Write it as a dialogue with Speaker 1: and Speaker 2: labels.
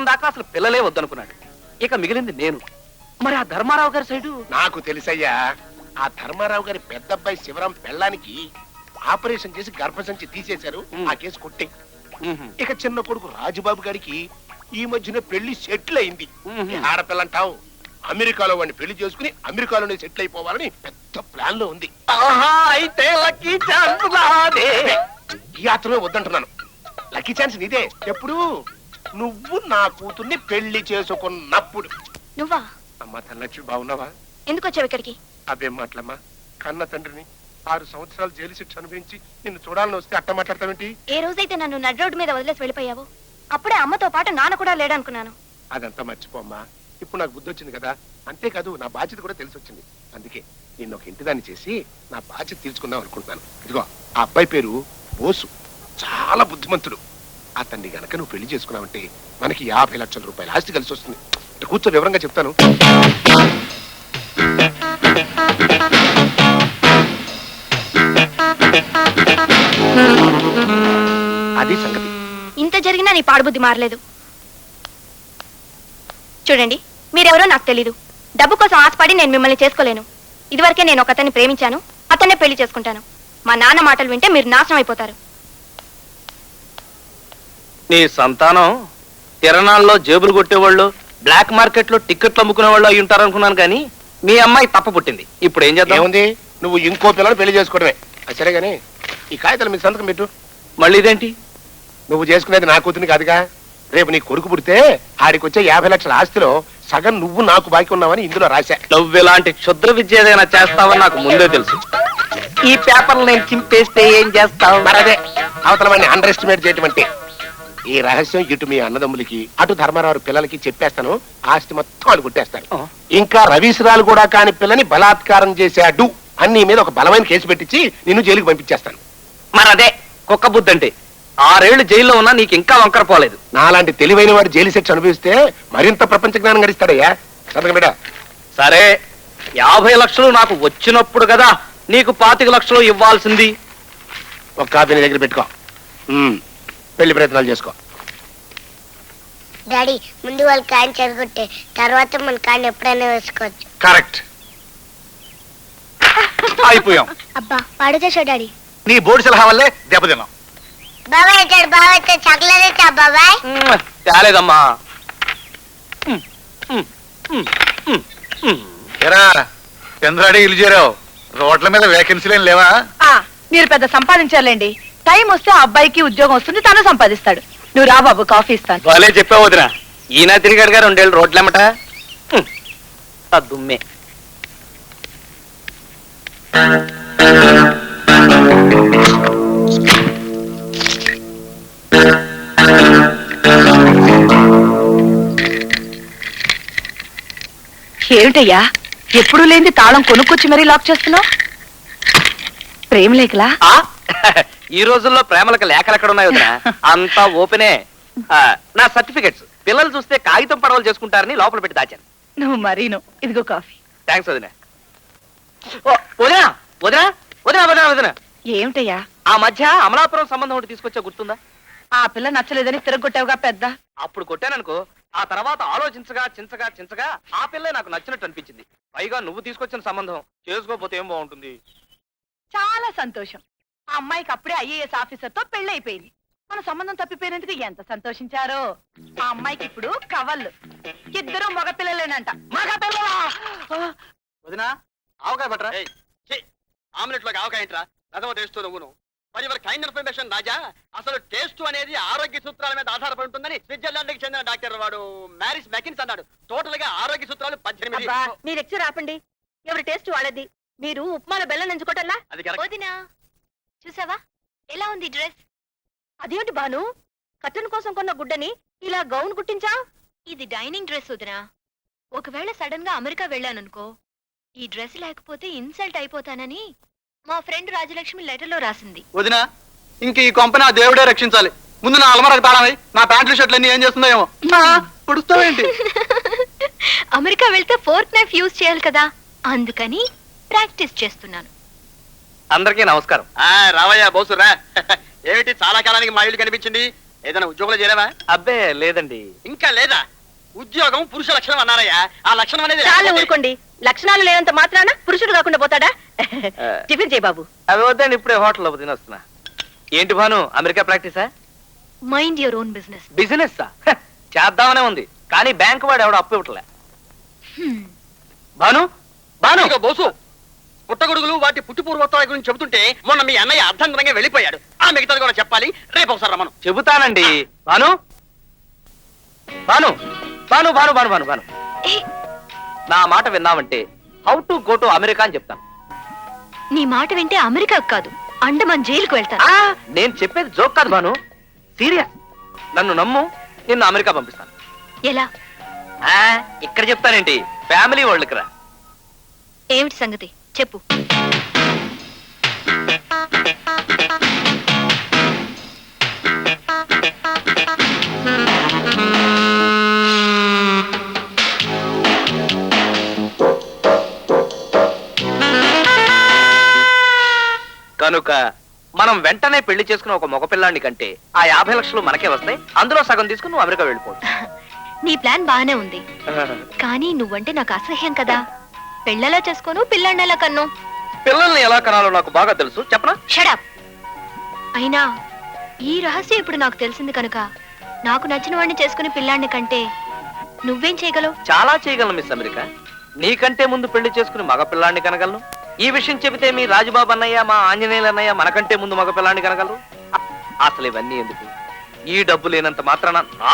Speaker 1: సంవత్సరం దాకా అసలు పిల్లలే వద్దనుకున్నాడు. ఇక మిగిలింది నేను. మరి ఆ ధర్మారావు గారి సైడు
Speaker 2: నాకు తెలుసయ్యా. ఆ ధర్మారావు గారి పెద్ద అబ్బాయి శివరాం పెళ్ళానికి ఆపరేషన్ చేసి గర్భసంచి తీసేశారు. ఆ కేసు కొట్టే. ఇక చిన్న కొడుకు రాజుబాబు గారికి ఈ మధ్యన పెళ్లి సెటిల్ అయింది. ఆడపిల్లంటావు, అమెరికాలో వాడిని పెళ్లి చేసుకుని అమెరికాలోనే సెటిల్ అయిపోవాలని పెద్ద ప్లాన్ లో ఉంది.
Speaker 1: అయితే లక్కీ ఛాన్స్ నాదే.
Speaker 2: ఈ యాత్రలో వద్దంటున్నాను. లక్కీ ఛాన్స్ నీదే. ఎప్పుడు? నువ్వు నా కూతుర్ని పెళ్లి చేసుకున్నప్పుడు.
Speaker 3: నువ్వా?
Speaker 2: అమ్మా తల్లచ్చి బాగున్నావా?
Speaker 3: ఎందుకు వచ్చావు ఇక్కడికి?
Speaker 2: అవేం మాటలమ్మా. కన్న తండ్రిని 6 సంవత్సరాలు జైలు శిక్ష అనుభవించి నిన్ను చూడాలని వస్తే అట్ట మాట్లాడతావేంటి?
Speaker 3: ఏ రోజైతే నన్ను నడి రోడ్డు మీద వదిలేసి వెళ్ళిపోయావు అప్పుడే అమ్మతో పాటు నాన్న కూడా లేడనుకున్నాను.
Speaker 2: అదంతా మర్చిపోమ్మా. ఇప్పుడు నాకు బుద్ధి వచ్చింది కదా. అంతేకాదు నా బాధ్యత కూడా తెలిసి వచ్చింది. అందుకే నిన్ను ఒక ఇంటిదాన్ని చేసి నా బాధ్యత తీర్చుకుందాం అనుకుంటున్నాను. ఇదిగో ఆ అబ్బాయి పేరు బోసు. చాలా బుద్ధిమంతుడు. అతన్ని గనక నువ్వు పెళ్లి చేసుకున్నావంటే మనకి 50 లక్షల రూపాయల ఆస్తి కలిసి వస్తుంది. కూర్చో, వివరంగా చెప్తాను. అది సంగతి.
Speaker 3: ఇంత జరిగినా నీ పాడుబుద్ధి మారలేదు. చూడండి, మీరెవరో నాకు తెలీదు. డబ్బు కోసం ఆశపడి నేను మిమ్మల్ని చేసుకోలేను. ఇదివరకే నేను ఒక అతన్ని ప్రేమించాను. అతన్నే పెళ్లి చేసుకుంటాను. మా నాన్న మాటలు వింటే మీరు నాశనం అయిపోతారు.
Speaker 1: నీ సంతానం తిరణాల్లో జేబులు కొట్టేవాళ్ళు, బ్లాక్ మార్కెట్ లో టిక్కెట్లు అమ్ముకునే వాళ్ళు అయి ఉంటారనుకున్నాను. కానీ మీ అమ్మాయి తప్ప పుట్టింది. ఇప్పుడు ఏం చేద్దాం?
Speaker 2: ఏముంది, నువ్వు ఇంకో పిల్లలు పెళ్లి చేసుకోవడమే. సరే గానీ ఈ కాగితాలు మీ సంతకం పెట్టు.
Speaker 1: మళ్ళీ ఇదేంటి?
Speaker 2: నువ్వు చేసుకునేది నా కూతుని కాదుగా. రేపు నీ కొడుకు పుడితే ఆడికి వచ్చే 50 లక్షల ఆస్తిలో సగం నువ్వు నాకు బాకీ ఉన్నావని ఇందులో రాశా.
Speaker 1: నువ్వు ఇలాంటి క్షుద్ర విద్య ఏదైనా చేస్తావని నాకు ముందే తెలుసు. ఈ పేపర్లు నేను చింపేస్తే ఏం చేస్తావు?
Speaker 2: మరదే అవతల వాడిని అండర్ ఎస్టిమేట్ చేయటం అంటే. ఈ రహస్యం ఇటు మీ అన్నదమ్ములకి అటు ధర్మారావు పిల్లలకి చెప్పేస్తాను. ఆస్తి మొత్తం వాళ్ళు కొట్టేస్తారు. ఇంకా రవీశ్రాలు కూడా కాని పిల్లని బలాత్కారం చేశాడు అన్ని మీద ఒక బలమైన కేసు పెట్టించి నిన్ను జైలుకి పంపించేస్తాను.
Speaker 1: మరదే కుక్క బుద్ధి అంటే. 6 ఏళ్లు జైల్లో ఉన్నా నీకు ఇంకా వంకర పోలేదు.
Speaker 2: నాలాంటి తెలివైన వాడు జైలు శిక్ష అనుభవిస్తే మరింత ప్రపంచ జ్ఞానం గడిస్తాడయ్యా. సంతకం బిడ్డ.
Speaker 1: సరే, 50 లక్షలు నాకు వచ్చినప్పుడు కదా నీకు 25 లక్షలు ఇవ్వాల్సింది.
Speaker 2: ఒక కాపీ నీ దగ్గర పెట్టుకో. పెళ్లి ప్రయత్నాలు చేసుకో.
Speaker 4: డాడీ, ముందు వాళ్ళు కాయని చెరగొట్టే తర్వాత మన కాయని ఎప్పుడైనా వేసుకోవచ్చు.
Speaker 2: కరెక్ట్.
Speaker 1: అయిపోయాం.
Speaker 4: అబ్బా పాడు చేసావు డాడీ.
Speaker 1: నీ బోర్డు సలహా వల్లే దెబ్బతిన్నాం.
Speaker 4: బాబాయ్ వచ్చాడు. బాబాయ్ వచ్చాడు. చాక్లెట్ ఇచ్చా బాబాయ్.
Speaker 1: చాలేదమ్మా.
Speaker 5: చంద్రాడి ఇల్లు చేరావు. రోడ్ల మీద వేకెన్సీలు ఏం లేవా?
Speaker 6: మీరు పెద్ద సంపాదించాలండి. టైం వస్తే ఆ అబ్బాయికి ఉద్యోగం వస్తుంది, తను సంపాదిస్తాడు. నువ్వు రా బాబు, కాఫీ ఇస్తాను.
Speaker 1: వాళ్ళే చెప్పావు వదిన. ఈయన తిరిగాడు గారు 2 ఏళ్ళు రోడ్లెమ్మట. దుమ్మే.
Speaker 6: ఏమిటయ్యా, ఎప్పుడు లేని తాళం కొనుక్కొచ్చి మరీ లాక్ చేస్తున్నావు? ప్రేమ లేఖలా?
Speaker 1: ఈ రోజుల్లో ప్రేమలకు లేఖలు ఎక్కడ ఉన్నాయి వదిన? అంతా ఓపెనే. నా సర్టిఫికెట్స్ పిల్లలు చూస్తే కాగితం పడవలు చేసుకుంటారని లోపల పెట్టి దాచాను.
Speaker 6: నువ్వు మరీను. ఇదిగో కాఫీ.
Speaker 1: థ్యాంక్స్ వదిన. వదిన వదిన వదిన వదిన వదిన
Speaker 6: ఏమిటయ్యా?
Speaker 1: ఆ మధ్య అమలాపురం సంబంధం ఒకటి తీసుకొచ్చా, గుర్తుందా?
Speaker 6: ఆ పిల్ల నచ్చలేదని తిరగొట్టావుగా పెద్ద.
Speaker 1: అప్పుడు కొట్టాననుకో, ఆ తర్వాత ఆలోచించగా చించగా చించగా ఆ పిల్లే నాకు నచ్చినట్టు అనిపించింది. పైగా నువ్వు తీసుకొచ్చిన సంబంధం చేసుకోకపోతే ఏం బాగుంటుంది.
Speaker 6: చాలా సంతోషం. ఆ అమ్మాయికి అప్పుడే ఐఏఎస్ ఆఫీసర్ తో పెళ్ళైపోయింది. మన సంబంధం తప్పిపోయినందుకు ఎంత సంతోషించారో. ఆ అమ్మాయికి ఇప్పుడు కవళ్ళు. 2 మగపిల్లలేనంట.
Speaker 1: వదినా, ఆవకాయ పట్టరా. ఆమ్లెట్ లోకి ఆవకాయ ఏంట్రా? రథమ టేస్ట్ నువ్వును. మరి ఎవరి కైండ్ ఇన్ఫర్మేషన్ రాజా, అసలు టేస్ట్ అనేది ఆరోగ్య సూత్రాల మీద ఆధారపడి ఉంటుందని స్విట్జర్లాండ్ కి చెందిన డాక్టర్ వాడు మ్యారిస్ మెకిన్స్ అన్నాడు. టోటల్ గా ఆరోగ్య సూత్రాలు 18.
Speaker 6: మీ లెక్చర్ ఆపండి. ఎవరి టేస్ట్ వాళ్ళది. మీరు ఉప్మాలో బెల్లం ఎంచుకోవటల్లా?
Speaker 1: అది కరెక్ట్.
Speaker 3: వదినా, చూసావా ఎలా ఉంది డ్రెస్?
Speaker 6: అదేంటి బాను, కట్టన్ కోసం కొన్న గుడ్డని ఇలా గౌన్ కుట్టించా?
Speaker 3: ఇది డైనింగ్ డ్రెస్ వదినా. ఒకవేళ సడన్ గా అమెరికా వెళ్ళాననుకో, ఈ డ్రెస్ లేకపోతే ఇన్సల్ట్ అయిపోతానని మా ఫ్రెండ్ రాజలక్ష్మి లెటర్ లో రాసింది.
Speaker 1: వదినా, ఇంక ఈ కొంపని ఆ దేవుడే రక్షించాలి. ముందు నా అలమరకు తాళమై నా ప్యాంట్లు షర్ట్లు అన్ని ఏం చేస్తుందో ఏమో. పుడుస్తావేంటి?
Speaker 3: అమెరికా వెళ్తే ఫోర్క్ నైఫ్ యూజ్ చేయాలి కదా, అందుకని ప్రాక్టీస్ చేస్తున్నాను.
Speaker 1: అందరికీ నమస్కారం. రావయ్యా బోసురా. ఏమిటి చాలా కాలానికి మా ఇల్లు కనిపించింది? ఏదైనా ఉద్యోగంలో చేరావా?
Speaker 7: అబ్బే లేదండి.
Speaker 1: ఇంకా లేదా? ఉద్యోగం పురుష లక్షణం అన్నారయ్యా. ఆ లక్షణం అనేది
Speaker 6: చాలా
Speaker 1: లేకపోతే-
Speaker 6: ఊరుకోండి. లక్షణాలు లేనంత మాత్రాన పురుషుడు కాకుండా పోతాడా? టిఫిన్ చేయి బాబు.
Speaker 7: అవి వద్దండి, ఇప్పుడే హోటల్లో తినొస్తున్నా. ఏంటి భాను, అమెరికా ప్రాక్టీసా?
Speaker 3: Mind your own business.
Speaker 7: Business చేద్దామనే ఉంది, కానీ బ్యాంక్ వాడు ఎవడో అప్పు ఇవ్వట్లే. భాను భాను
Speaker 1: ఇదిగో బోసు, పుట్టగొడుగులు వాటి పుట్టి పూర్వోత్తరాల గురించి చెబుతుంటే మొన్న మీ అన్నయ్య అర్ధంతరంగా వెళ్ళిపోయాడు. ఆ మిగతాది కూడా చెప్పాలి. రేపు ఒకసారి రమ్మను.
Speaker 7: చెబుతానండి. భాను భాను భాను భాను భాను భాను భాను నా మాట విన్నావంటే how to go to America అని చెప్తాను.
Speaker 3: నీ మాట వింటే అమెరికా కాదు, అండమాన్ జైలుకు వెళ్తాను.
Speaker 7: నేను చెప్పేది జోక్ కాదు భాను, సీరియస్. నన్ను నమ్ము, నిన్ను అమెరికా పంపిస్తాను.
Speaker 3: ఎలా?
Speaker 7: ఇక్కడ చెప్తానేంటి, ఫ్యామిలీ వాళ్ళకి రా.
Speaker 3: ఏమిటి సంగతి చెప్పు.
Speaker 7: కనుక మనం వెంటనే పెళ్లి చేసుకున్న ఒక మగపిల్లాన్ని కంటే ఆ 50 లక్షలు మనకే వస్తాయి. అందులో సగం తీసుకుని నువ్వు అమెరికా వెళ్ళిపోవచ్చు.
Speaker 3: నీ ప్లాన్ బానే ఉంది, కానీ నువ్వంటే నాకు అసహ్యం కదా. పెళ్ళెలా చేసుకోను, పిల్లాడినెలా కన్ను?
Speaker 7: పిల్లల్ని ఎలా కనాలో నాకు బాగా తెలుసు, చెప్పనా?
Speaker 3: షడప్. అయినా ఈ రహస్యం ఇప్పుడు నాకు తెలిసింది కనుక నాకు నచ్చిన వాడిని చేసుకుని పిల్లాడిని కంటే నువ్వేం చేయగలవు?
Speaker 7: చాలా చేయగలను మిస్ అమెరికా. నీకంటే ముందు పెళ్లి చేసుకుని మగ పిల్లాన్ని కనగలను. ఈ విషయం చెబితే మీ రాజుబాబు అన్నయ్య, మా ఆంజనేయులు అన్నయ్య మనకంటే ముందు మగ పిల్లాన్ని కనగలరు. అసలు ఇవన్నీ ఎందుకు? ఈ డబ్బు లేనంత మాత్రాన